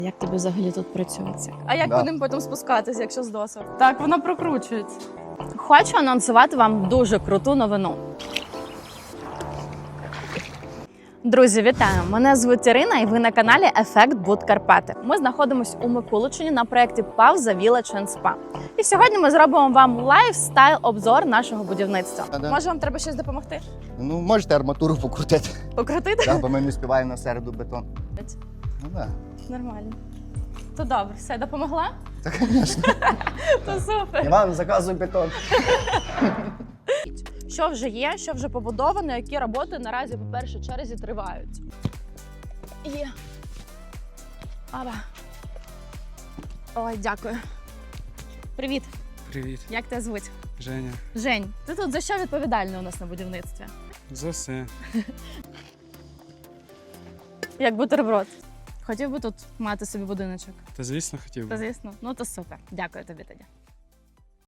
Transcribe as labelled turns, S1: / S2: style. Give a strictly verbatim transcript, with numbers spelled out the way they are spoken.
S1: Як тобі взагалі тут працюється?
S2: А як
S3: Да.
S2: по ним потім спускатися, якщо з досок?
S1: Так, вона прокручується. Хочу анонсувати вам дуже круту новину. Друзі, вітаю! Мене звуть Ірина, і ви на каналі Ефект Буд Карпати. Ми знаходимося у Микуличині на проєкті Пауза Village енд Spa. І сьогодні ми зробимо вам лайфстайл-обзор нашого будівництва.
S3: А, да.
S2: Може, вам треба щось допомогти?
S3: Ну, можете арматуру покрутити,
S2: Покрутити?
S3: да, бо ми не співаємо на середу бетон. Ну так.
S2: Нормально. То добре, все, допомогла?
S3: Та, звісно.
S2: То супер.
S3: Іван, заказуй бетон.
S2: Що вже є, що вже побудовано, які роботи наразі по першій черзі тривають. Є. Аба. Ой, дякую. Привіт.
S4: Привіт,
S2: Як тебе звуть?
S4: Женя.
S2: Жень, ти тут за що відповідальний у нас на будівництві?
S4: За все.
S2: Як бутерброд. Хотів би тут мати собі будиночок.
S4: Та звісно хотів
S2: Та
S4: би.
S2: звісно. Ну то супер. Дякую тобі тоді.